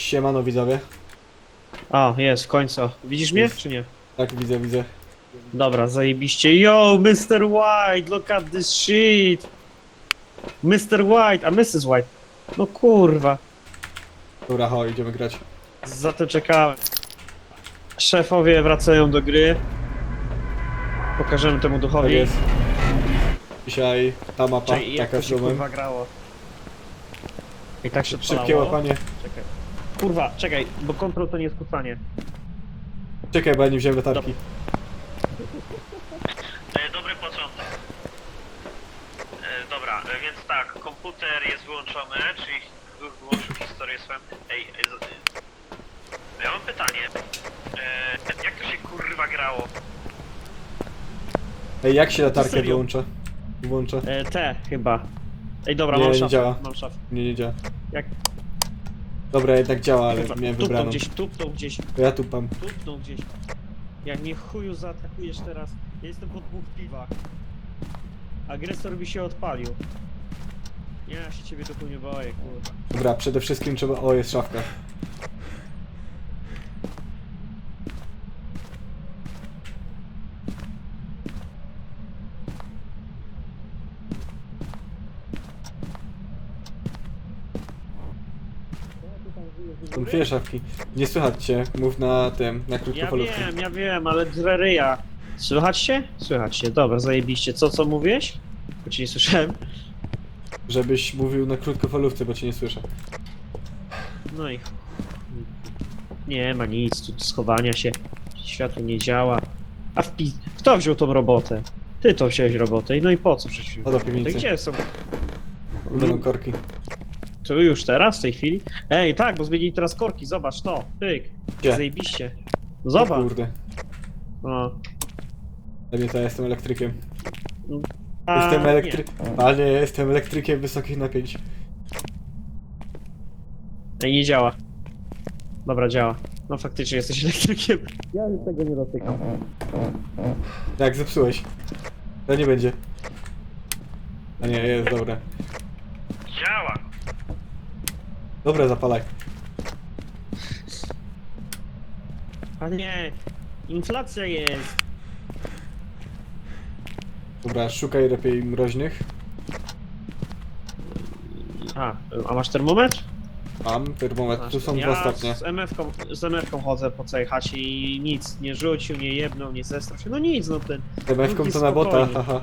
Siemano widzowie. O, jest, w końcu. Widzisz mnie, czy nie? Tak, widzę. Dobra, zajebiście. Yo, Mr. White, look at this shit. Mr. White, a Mrs. White. No kurwa, Dobra, ho, idziemy grać. za to czekałem. Szefowie wracają do gry. Pokażemy temu Tak duchowi. jest. Dzisiaj ta mapa, Czekaj, jak taka to z się domem. kurwa grało. I tak się Szybkie odpalało. łapanie. Czekaj. Kurwa, czekaj, bo kontrol to nie jest kucanie. Czekaj, bo ja nie wziąłem latarki. Dobry początek. Dobra, więc tak, komputer jest wyłączony, czyli wyłączył historię swoją. Ja mam pytanie. Jak to się kurwa grało? Ej, jak się latarkę serio? wyłącza? Włącza? Te chyba. Ej, dobra, Nie, mam nie szafę. działa. Mam szafę. Nie działa. Jak? Dobra, jednak działa, ale Kurwa, miałem tupnął wybraną. gdzieś, tupnął gdzieś, To ja tupam. tupnął gdzieś. Jak mnie chuju zaatakujesz teraz. Ja jestem po 2 piwach. Agresor mi się odpalił. Nie, ja się ciebie tu nie boję, kurwa. Dobra, przede wszystkim trzeba... O, jest szafka. Są dwie szafki. Nie słychać cię. Mów na tym, na krótkofalówce. Ja wiem, ale dreryja. Słychać się? Słychać się, dobra, zajebiście. Co mówiłeś? Bo cię nie słyszałem. Żebyś mówił na krótkofalówce, bo cię nie słyszę. No i... Nie ma nic, tu schowania się. Światło nie działa. A kto wziął tą robotę? Ty to wziąłeś robotę. No i po co przecież? O, do piwnicy. Gdzie są? Będą korki. To już teraz, w tej chwili? Ej, tak, bo zmienili teraz korki, zobacz to. Pyk. Gdzie? Zajebiście. O Zobacz. kurde. No. Ja nie, to ja jestem elektrykiem. A, Jestem nie. Ale nie, jestem elektrykiem wysokich napięć. Ej, nie działa. Dobra, działa. No faktycznie jesteś elektrykiem. Ja już tego nie dotykam. Jak zepsułeś? To nie będzie. A nie, jest, dobra. Działa. Dobra, zapalaj. A nie. Inflacja jest. Dobra, szukaj lepiej mroźnych. A masz termometr? Mam termometr, tu są ja dwa stopnie. z MF-ką chodzę po całej chacie i nic. Nie rzucił, nie jebnął, nie zestrał się. No nic, no ten. MF-ką jest to na bota, spokojnie. haha.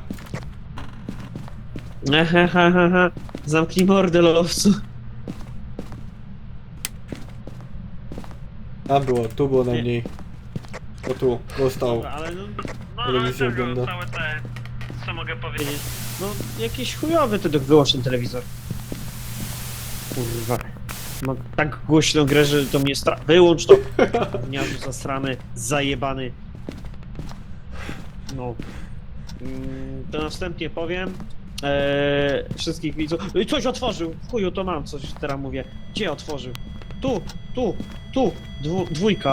Ehehehe. Zamknij mordę, lowcu. Tam było, tu było najmniej. O tu, dostał. Dobra, ale no... Telewizję ogląda. całe te... Co mogę powiedzieć? No, jakiś chujowy ty wyłącz ten telewizor. Kurwa. Ma tak głośną grę, że to mnie Wyłącz to! Gniazdu zasrany, zajebany. No. To następnie powiem. Wszystkich widzów. Coś otworzył! W chuju to mam, coś teraz mówię. Gdzie otworzył? Tu! Dwójka.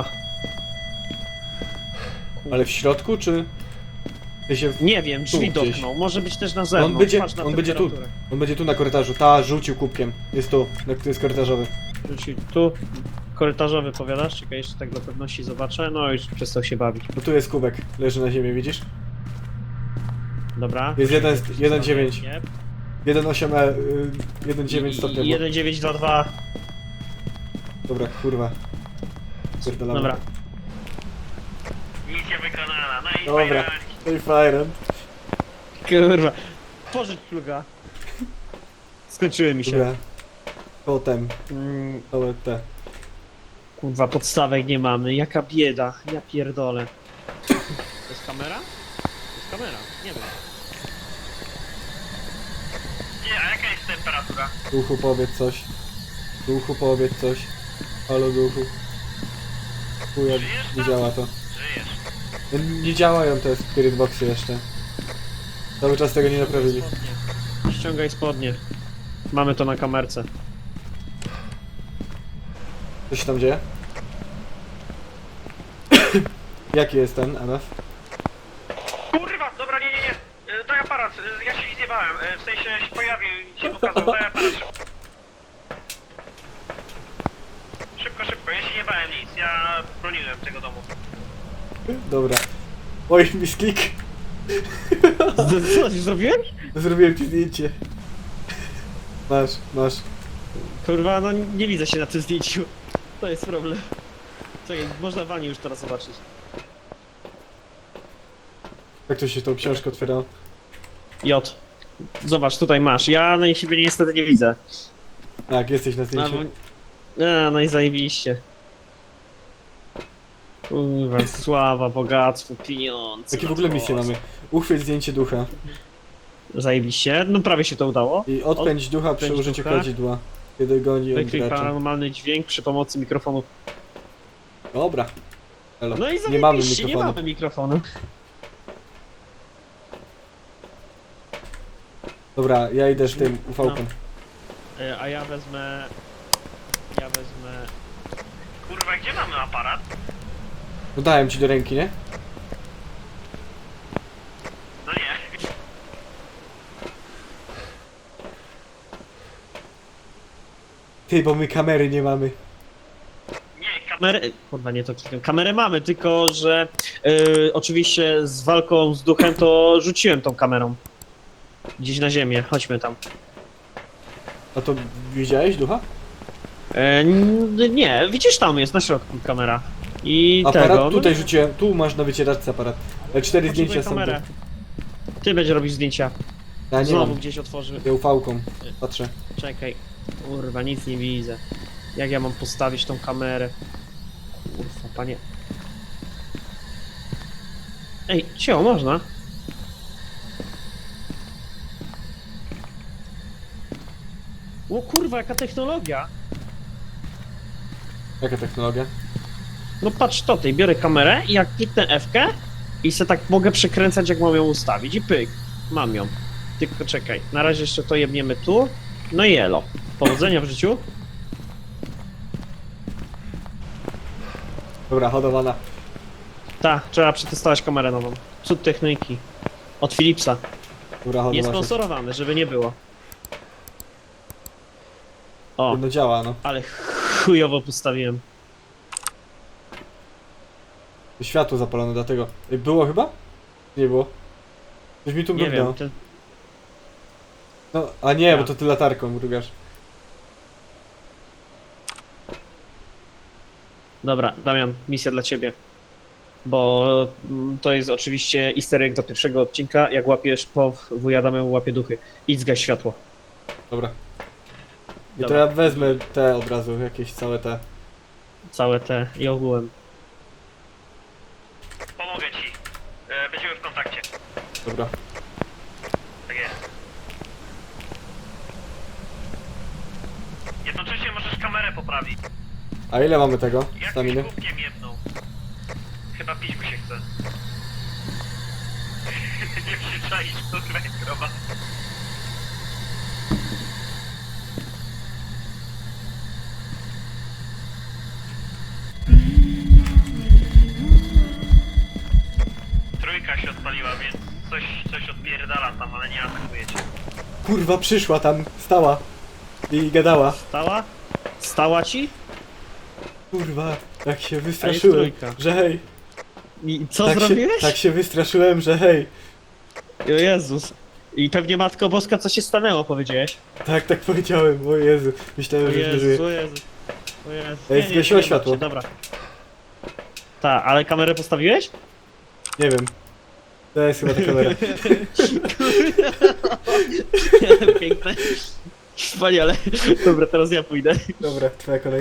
Ale w środku, czy... Ty się... Nie wiem, drzwi gdzieś. dotknął. Może być też na zewnątrz. On będzie, Patrz na on będzie tu. temperaturę. On będzie tu na korytarzu. Ta, rzucił kubkiem. Jest tu, to jest korytarzowy. Rzucił tu. Korytarzowy powiadasz? Czekaj, jeszcze tak dla pewności zobaczę. No już przestał się bawić. Bo tu jest kubek. Leży na ziemi, widzisz? Dobra. Jest 1,9. Nie. 1,8, 1,9 stopnia. 1922. Dobra, kurwa. Pierdolamy. Dobra. Misja wykonana. No i Dobra. No i frajerem. Kurwa. Pożycz pluga. Skończyły mi się. Dobra. Potem, Mm, całe te. kurwa, podstawek nie mamy. Jaka bieda. Ja pierdolę. To jest kamera? To jest kamera. Nie wiem. Nie, a jaka jest temperatura? Duchu, powiedz coś. Duchu, powiedz coś. Halo, duchu. Chuja, nie działa to. Żyjesz. No, nie działają te spirit boxy jeszcze. Cały czas tego nie naprawili. Ściągaj spodnie. Mamy to na kamerce. Co się tam dzieje? Jaki jest ten MF? Kurwa, dobra, nie. Daj aparat, ja się nie zjebałem. W sensie się pojawił i się pokazał, daj aparat. Szybko, ja broniłem tego domu. Dobra. Oj, misklik. Co, zrobiłem? Zrobiłem ci zdjęcie. Masz. Kurwa, no nie widzę się na tym zdjęciu. To jest problem. Czekaj, można Wani już teraz zobaczyć. Jak to się tą książkę otwiera? J. Zobacz, tutaj masz. Ja na siebie niestety nie widzę. Tak, jesteś na zdjęciu. No i zajebiście. Kurwa, sława, bogactwo, pieniądze. Jakie w ogóle misje mamy? Uchwyć zdjęcie ducha. Zajebiście. No prawie się to udało. I odpędź ducha przy odpędź użyciu ducha. kadzidła. Kiedy goni on Wykryj gracza. paranormalny dźwięk przy pomocy mikrofonu. Dobra. Elo. No i Nie mamy zajebiście, nie mikrofonu. mamy mikrofonu. Dobra, ja idę z tym ufałkiem. A ja wezmę... Kurwa, gdzie mamy aparat? No dałem ci do ręki, nie? No nie. Ty, bo my kamery nie mamy. Nie, kamerę... Kurwa, nie to klikam. Kamerę mamy, tylko że... oczywiście z walką z duchem to rzuciłem tą kamerą. Gdzieś na ziemię, chodźmy tam. A to widziałeś ducha? Nie, widzisz, tam jest na środku kamera. I Aparat tego... tutaj no, rzuciłem, tu masz na wycieraczce aparat. 4 potrzebuję zdjęcia są kamerę. tu. Ty będziesz robić zdjęcia. Ja nie Znowu mam. gdzieś otworzy. Ja ufałką. Patrzę. Czekaj. Kurwa, nic nie widzę. Jak ja mam postawić tą kamerę? Kurwa, panie. Ej, cio, można? O kurwa, jaka technologia! Jaka technologia? No patrz to, tej biorę kamerę i jak kliknę F-kę i se tak mogę przekręcać, jak mam ją ustawić i pyk, mam ją. Tylko czekaj, na razie jeszcze to jebniemy tu. No i elo. Powodzenia w życiu. Dobra, hodowana. Tak, trzeba przetestować kamerę nową. Cud techniki. Od Philipsa. Dobra, Nie hodowana. sponsorowany, żeby nie było. O, No działa, no. ale chujowo postawiłem. Światło zapalone, dlatego. Ej, było chyba? Nie było. Coś mi tu Nie mrugnęło. wiem, ten... No, a nie, Ja. bo to ty latarką mrugasz. Dobra, Damian, misja dla ciebie. Bo to jest oczywiście easter egg do pierwszego odcinka. Jak łapiesz wuja Damian łapie duchy. Idź zgaś światło. Dobra. I to Dobra. ja wezmę te od razu, jakieś całe te. Całe te i ogółem. Pomogę ci. Będziemy w kontakcie. Dobra. Tak jest. Jednocześnie możesz kamerę poprawić. A ile mamy tego? Jak Staminy? kubkiem jedną. Chyba pić mi się chce. Nie przyczaisz, to krowa. Trójka się odpaliła, więc coś odpierdala tam, ale nie atakuje cię. Kurwa, przyszła tam, stała. I gadała. Stała? Stała ci? Kurwa, tak się wystraszyłem, trójka. że hej. I co Tak zrobiłeś? tak się wystraszyłem, że hej. O Jezus. I pewnie Matko Boska, co się stanęło, powiedziałeś? Tak powiedziałem, o Jezu. O Myślałem, że Jezu, żyję. o Jezu. O Jezu. Ej, zgasiło nie światło. martw się, dobra. Tak, ale kamerę postawiłeś? Nie wiem. To jest chyba ta kamera. Piękne. Wspaniale. Dobra, teraz ja pójdę. Dobra, twoja kolej.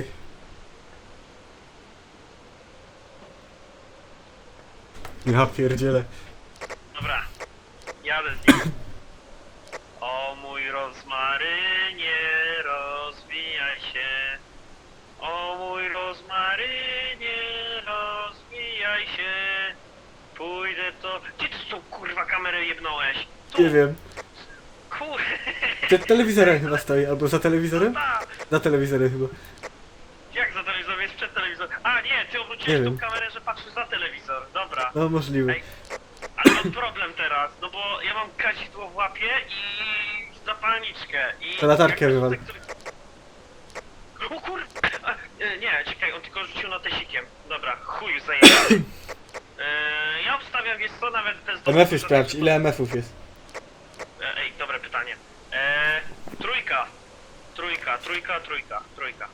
Ja pierdzielę. Dobra, jadę z nim. O mój rozmarynie, rozwijaj się. O mój rozmarynie, rozwijaj się. Pójdę to... Gdzie ty tą kurwa kamerę jebnąłeś? Tu, Nie wiem. kur... Przed telewizorem chyba stoi, albo za telewizorem? Ta, Za telewizorem chyba. jak za telewizorem? Jest przed telewizorem. A nie, ty Nie obróciłeś wiem. tą kamerę, że patrzysz za telewizor. Dobra. No możliwe. Ej, ale mam problem teraz, no bo ja mam kadzidło w łapie i zapalniczkę i... To latarkę wywal. O kur... Nie, czekaj, on tylko rzucił notesikiem. Dobra, chuj zajęty. Ja obstawiam, wiesz co, nawet bez dowodu, MF-y że- sprawdź, ile MF-ów jest? Ej, dobre pytanie. Trójka. Trójka.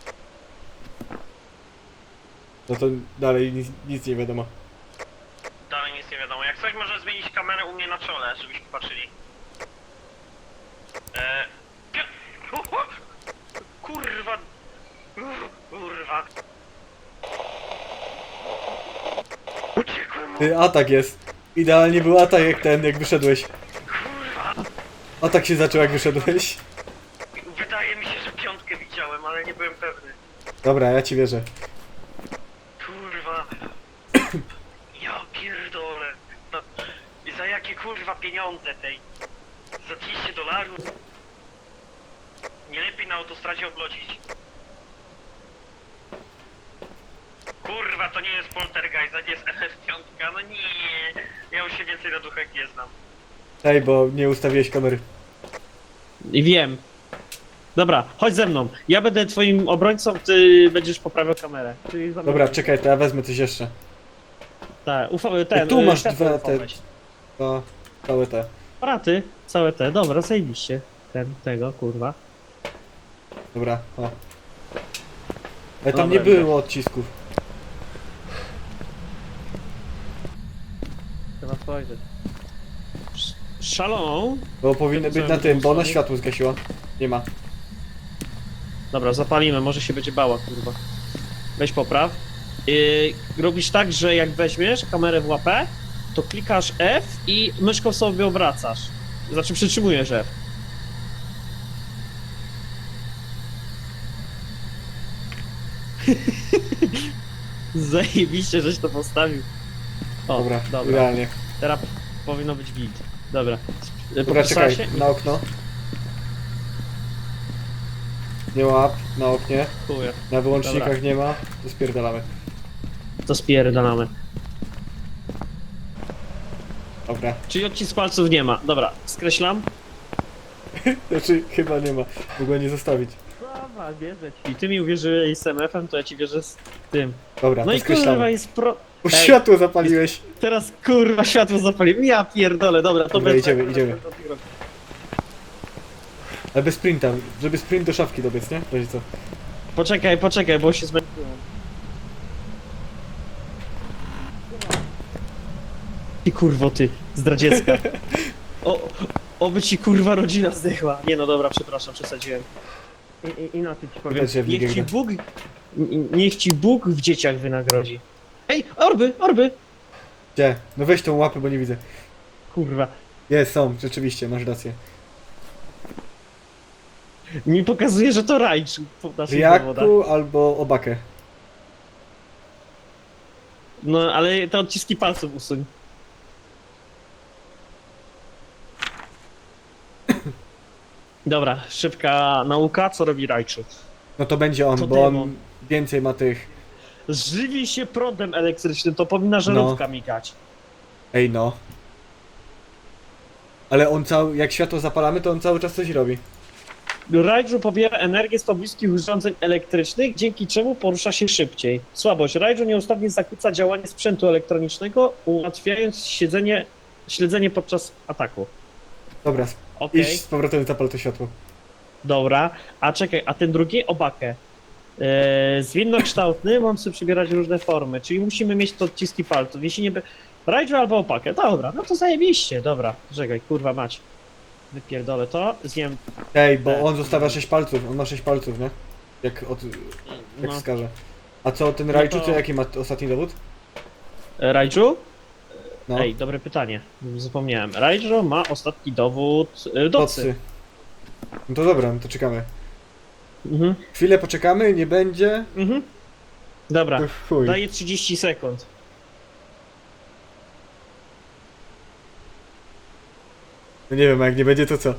No to dalej nic nie wiadomo. Dalej nic nie wiadomo. Jak coś może zmienić kamerę u mnie na czole, żebyśmy patrzyli. Kurwa. Kurwa. Uciekłem mu. Ty, atak jest. Idealnie był atak jak ten, jak wyszedłeś. Kurwa. Atak się zaczął jak wyszedłeś. Wydaje mi się, że piątkę widziałem, ale nie byłem pewny. Dobra, ja ci wierzę. Kurwa. Ja pierdolę. No, i za jakie kurwa pieniądze tej? Za $200? Nie lepiej na autostradzie oblodzić. Kurwa, to nie jest poltergeist, to nie jest NF5, no nie. Ja już się więcej na duchach nie znam. Ej, bo nie ustawiłeś kamery. I wiem. Dobra, chodź ze mną. Ja będę twoim obrońcą, ty będziesz poprawiał kamerę. Czyli za mną. Dobra, czekaj, to ja wezmę coś jeszcze. Tak, ten. Tu masz światło dwa UV te- weź. To całe te. Aparaty, całe te, dobra, zajebiście. Tego, kurwa. Dobra, o. Ale tam Dobra, nie było odcisków. Trzeba spojrzeć. Szalą. Bo powinny być na tym, bo ona światło zgasiła. Nie ma. Dobra, zapalimy, może się będzie bała, kurwa. Weź popraw. Robisz tak, że jak weźmiesz kamerę w łapę, to klikasz F i myszką sobie obracasz. Znaczy przytrzymujesz F. Zajebiście, żeś to postawił. O, Dobra, dobra. idealnie. Teraz powinno być git. Dobra. Dobra, Popisała czekaj, się? na okno. Nie łap, na oknie. Chuję. Na wyłącznikach Dobra. nie ma. To spierdalamy. To spierdalamy. Dobra. Czyli odcisk palców nie ma. Dobra, skreślam. Znaczy, chyba nie ma. Mogę nie zostawić. Dobra, wierzę ci. I ty mi uwierzyłeś z MF-em, to ja ci wierzę z tym. Dobra, No to i kurwa skreślamy. jest pro... O, Ej. światło zapaliłeś. Teraz kurwa światło zapaliłem. Ja pierdolę, dobra, to Dobra, bez... idziemy. Ale bez sprinta, żeby sprint do szafki dobiec, nie? Będzie co? Poczekaj, bo się zmęczyłem. Ty kurwo, ty, zdradziecka. Oby ci kurwa rodzina zdechła. Nie no dobra, przepraszam, przesadziłem. Inaczej ci powiem. Widać, że w Niech ligę ci gra. Bóg... Niech ci Bóg w dzieciach wynagrodzi. Ej, orby! Gdzie? No weź tą łapę, bo nie widzę. Kurwa. Jest, są, rzeczywiście, masz rację. Mi pokazuje, że to rajdż po naszych dowodach. Riaku albo Obakę. No, ale te odciski palców usuń. Dobra, szybka nauka, co robi Rajczu? No to będzie on, To bo demon. on więcej ma tych... Żywi się prądem elektrycznym, to powinna żarówka migać. Ej no. Ale on cały... jak światło zapalamy, to on cały czas coś robi. Rajdżu pobiera energię z pobliskich urządzeń elektrycznych, dzięki czemu porusza się szybciej. Słabość. Rajdżu nieustannie zakłóca działanie sprzętu elektronicznego, ułatwiając śledzenie podczas ataku. Dobra, Okej, idź z powrotem zapal to światło. dobra. A czekaj, a ten drugi? Obakę. Zwinnokształtny, mam sobie przybierać różne formy, czyli musimy mieć te odciski palców. Jeśli nie... Rajdżu albo opakę. Dobra, no to zajebiście. Dobra, czekaj, kurwa mać. Wypierdolę to, zjem... Ej, bo Tak. on zostawia 6 palców, on ma 6 palców, nie? Jak No. wskaże. A co, ten No Rajczu, to- to jaki ma ostatni dowód? Rajdżu? No, Ej, dobre pytanie. Zapomniałem. Rajdżu ma ostatni dowód docy. docy. No to dobra, no to czekamy. Mhm, Chwilę poczekamy, nie będzie. mhm. Dobra, To chuj. daję 30 sekund. No nie wiem, a jak nie będzie, to co?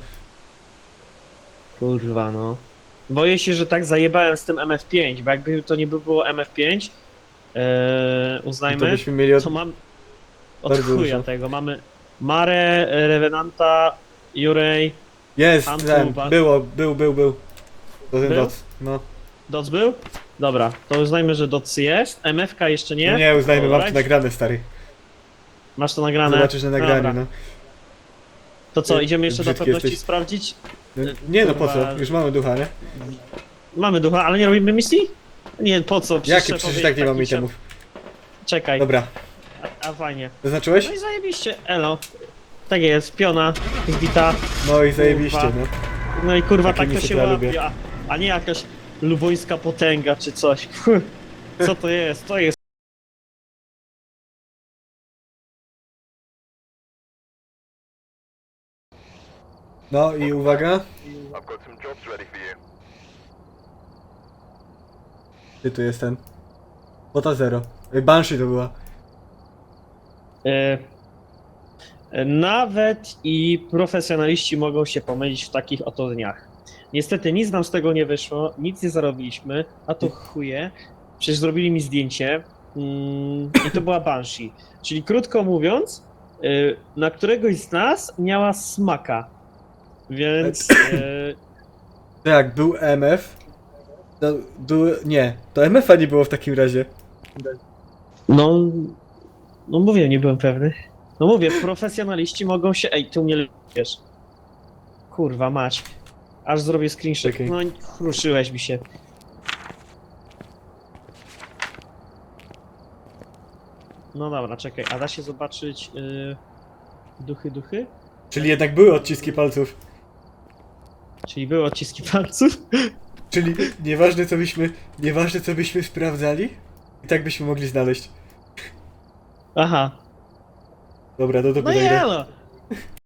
Kurwa, no. Boję się, że tak zajebałem z tym MF5, bo jakby to nie było MF5, To uznajmy, byśmy mieli od... to mam od Bardzo chuja dużo. tego. Mamy Mare, Revenanta, Jurej. Jest, Antu, ten, ba- był. To ten Był? doc, no. Doc był? Dobra, to uznajmy, że Doc jest. MFK jeszcze nie? No nie, uznajmy, mam to Alright. nagrane, stary. Masz to nagrane? Zobaczysz na nagraniu, Dobra. no. To co, idziemy jeszcze do Brzydki pewności jesteś. sprawdzić? No. Nie no, po Kurwa. co? Już mamy ducha, nie? Mamy ducha, ale nie robimy misji? Nie, po co? Jakie? Przecież szefowie tak nie mamy taki itemów. Czekaj, Dobra. a fajnie. Zaznaczyłeś? No i zajebiście, elo. Tak jest, piona, zbita. No i zajebiście, Kurwa. no. No i kurwa, Takie tak to misje się to ja łapie, lubię. a nie jakaś lubońska potęga czy coś. Co to jest? To jest... No i uwaga. I've got some jobs ready for you. Gdzie tu jest ten? Bota zero. Banshee to była. Nawet i profesjonaliści mogą się pomylić w takich oto dniach. Niestety nic nam z tego nie wyszło, nic nie zarobiliśmy, a to chuje. Przecież zrobili mi zdjęcie i to była Banshee. Czyli krótko mówiąc, na któregoś z nas miała smaka. Więc To jak był MF. To był... Nie, to MF-a nie było w takim razie. no, no mówię, nie byłem pewny. No mówię, profesjonaliści mogą się... Ej, ty mnie wiesz. Kurwa mać. Aż zrobię screenshot. Czekaj. No kruszyłeś mi się. No dobra, czekaj, a da się zobaczyć duchy? Czyli jednak były odciski palców. Czyli były odciski palców? Czyli nieważne co byśmy sprawdzali, i tak byśmy mogli znaleźć. Aha. Dobra, do No dupy nagrę. jelo!